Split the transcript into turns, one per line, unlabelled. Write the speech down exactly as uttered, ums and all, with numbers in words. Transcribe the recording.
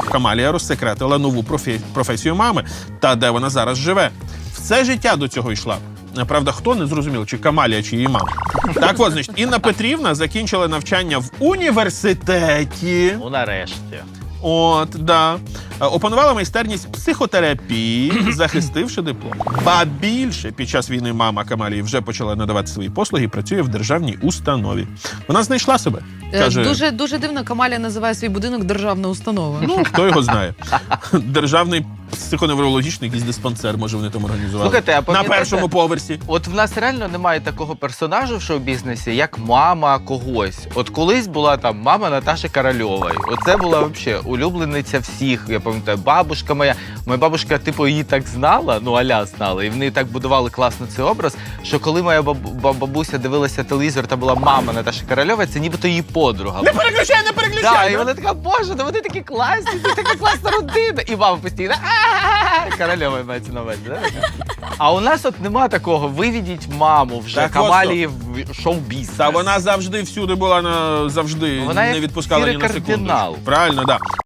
Камалія розсекретила нову профі... професію мами та де вона зараз живе. Все життя до цього йшла. Правда, хто не зрозумів, чи Камалія, чи її мама. Так от, значить, Інна Петрівна закінчила навчання в університеті.
Ну, нарешті.
От, да. Опанувала майстерність психотерапії, захистивши диплом. Ба більше, під час війни мама Камалії вже почала надавати свої послуги і працює в державній установі. Вона знайшла себе. Каже,
Дуже, дуже дивно, Камалія називає свій будинок державна установа.
ну, хто його знає. Державний психоневрологічний якийсь диспансер, може, вони там організували.
Слухайте, а
на
пам'ятаєте,
першому поверсі.
От в нас реально немає такого персонажу в шоу-бізнесі, як мама когось. От колись була там мама Наташі Корольової. Оце була взагалі улюблениця всіх. Я пам'ятаю, бабушка моя. Моя бабушка, типу, її так знала, ну, аля знала. І вони так будували класно цей образ, що коли моя бабу- бабуся дивилася телевізор, та була мама Наташі Корольової, це нібито її подруга.
Не переключай, не переключай!
Да, і
да?
вона така, боже, ну вони такі класні, це така класна родина. І мама постійно, а Корольова мається на увазі, да? А у нас от нема такого, виведіть маму вже,
Так,
Камалії в шоу-бізнес.
Та вона завжди всюди була, на завжди
Вона
не
як
відпускала ні
сірий
на секунду.
кардинал.
Правильно, да.